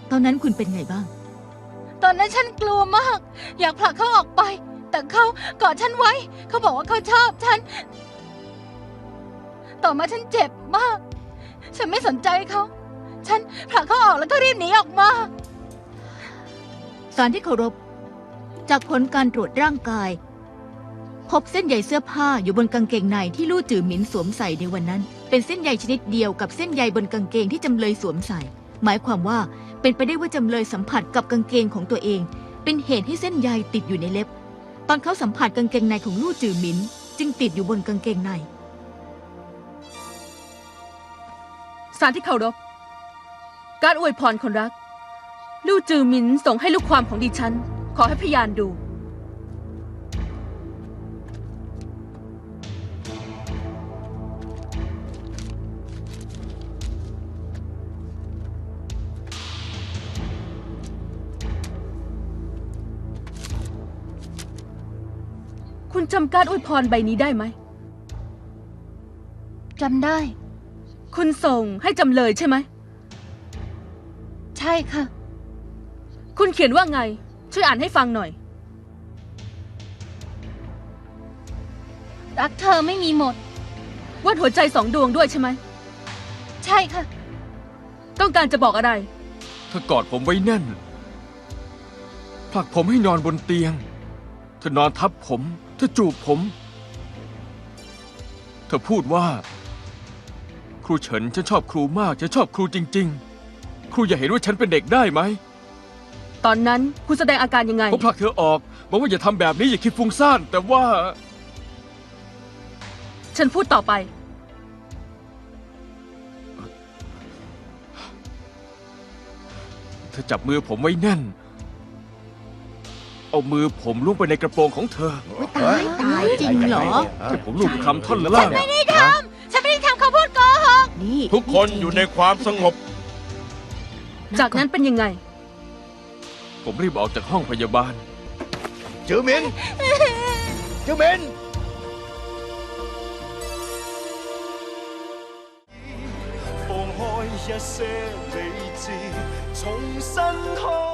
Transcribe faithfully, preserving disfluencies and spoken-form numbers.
ตอนนั้นคุณเป็นไงบ้างตอนนั้นฉันกลัวมากอยากผลักเขาออกไปแต่เขากอดฉันไว้เขาบอกว่าเขาชอบฉันต่อมาฉันเจ็บมากฉันไม่สนใจเขาฉันผลักเขาออกแล้วก็รีบหนีออกมาศาลที่เคารพจากผลการตรวจร่างกายพบเส้นใยเสื้อผ้าอยู่บนกางเกงในที่ลู่จือหมินสวมใส่ในวันนั้นเป็นเส้นใยชนิดเดียวกับเส้นใยบนกางเกงที่จำเลยสวมใส่หมายความว่าเป็นไปได้ว่าจำเลยสัมผัสกับกางเกงของตัวเองเป็นเหตุให้เส้นใยติดอยู่ในเล็บตอนเขาสัมผัสกางเกงในของลู่จือหมินจึงติดอยู่บนกางเกงในศาลที่เคารพการอวยพรคนรักลู่จือหมินส่งให้ลูกความของดิฉันขอให้พยานดูคุณจำการอวยพรใบนี้ได้ไหมจำได้คุณส่งให้จำเลยใช่ไหมใช่ค่ะคุณเขียนว่าไงช่วยอ่านให้ฟังหน่อยรักเธอไม่มีหมดวาดหัวใจสองดวงด้วยใช่ไหมใช่ค่ะต้องการจะบอกอะไรเธอกอดผมไว้แน่นผลักผมให้นอนบนเตียงเธอนอนทับผมเธอจูบผมเธอพูดว่าครูเฉินฉันชอบครูมากฉันชอบครูจริงๆครูอย่าเห็นว่าฉันเป็นเด็กได้ไหมตอนนั้นคุณแสดงอาการยังไงผมผลักเธอออกบอกว่าอย่าทำแบบนี้อย่าคิดฟุ้งซ่านแต่ว่าฉันพูดต่อไปเธอจับมือผมไว้แน่นเอามือผมล้วงไปในกระโปรงของเธอตายตายจริงเหรอที่ผมลูบคำท่อนละล่างฉันไม่ได้ทำฉันไม่ได้ทำเขาพูดโกหกทุกคนอยู่ในความสงบจากนั้นเป็นยังไงผมรีบออกจากห้องพยาบาลจือหมินจือหมิน放開一些理智，重新開